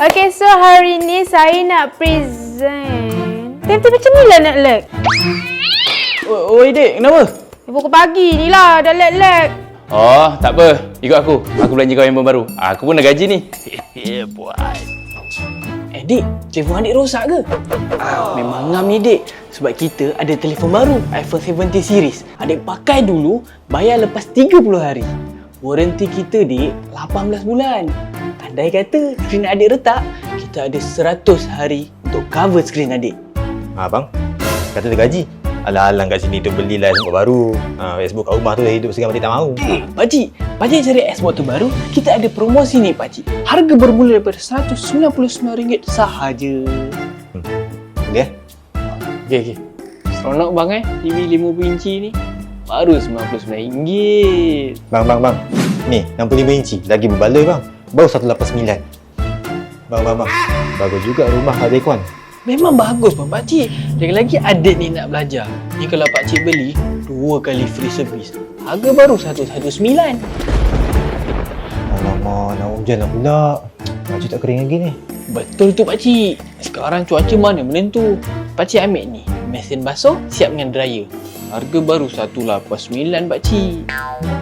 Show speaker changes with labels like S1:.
S1: Okay, so hari ni saya nak present. Tapi macam ni lah nak lag.
S2: Oi dek, kenapa?
S1: Pukul pagi ni lah, dah lag-lag.
S3: Oh, tak apa. Ikut aku. Aku belanja kau handphone baru. Aku pun dah gaji ni. Boy.
S2: Dek, telefon adik rosak ke? Memang ngam ni dek. Sebab kita ada telefon baru, iPhone 17 series. Adik pakai dulu, bayar lepas 30 hari. Waranti kita dek, 18 bulan. Andai kata skrin adik retak, kita ada 100 hari untuk cover skrin adik.
S4: Bang, kata dia gaji. Alang-alang kat sini tu belilah Xbox baru. Xbox kat rumah tu dah hidup segan Pakcik tak mahu.
S2: Pakcik cari Xbox terbaru, kita ada promosi ni pakcik. Harga bermula daripada RM199 sahaja.
S4: Boleh?
S2: Okey. Seronok bang TV 50 inci ni. Baru RM99.
S4: Bang. Ni, 65 inci. Lagi berbaloi bang. Baru 189. Bang. Bagus juga rumah ada aircon.
S2: Memang bagus pun pakcik. Lagi-lagi adik ni nak belajar. Ni kalau pakcik beli, 2 kali free service. Harga baru 119.
S4: Alamak, nak hujan lah pula. Pakcik tak kering lagi ni.
S2: Betul tu pakcik. Sekarang cuaca mana menentu. Pakcik ambil ni, mesin basuh siap dengan dryer. Harga baru 189 pakcik.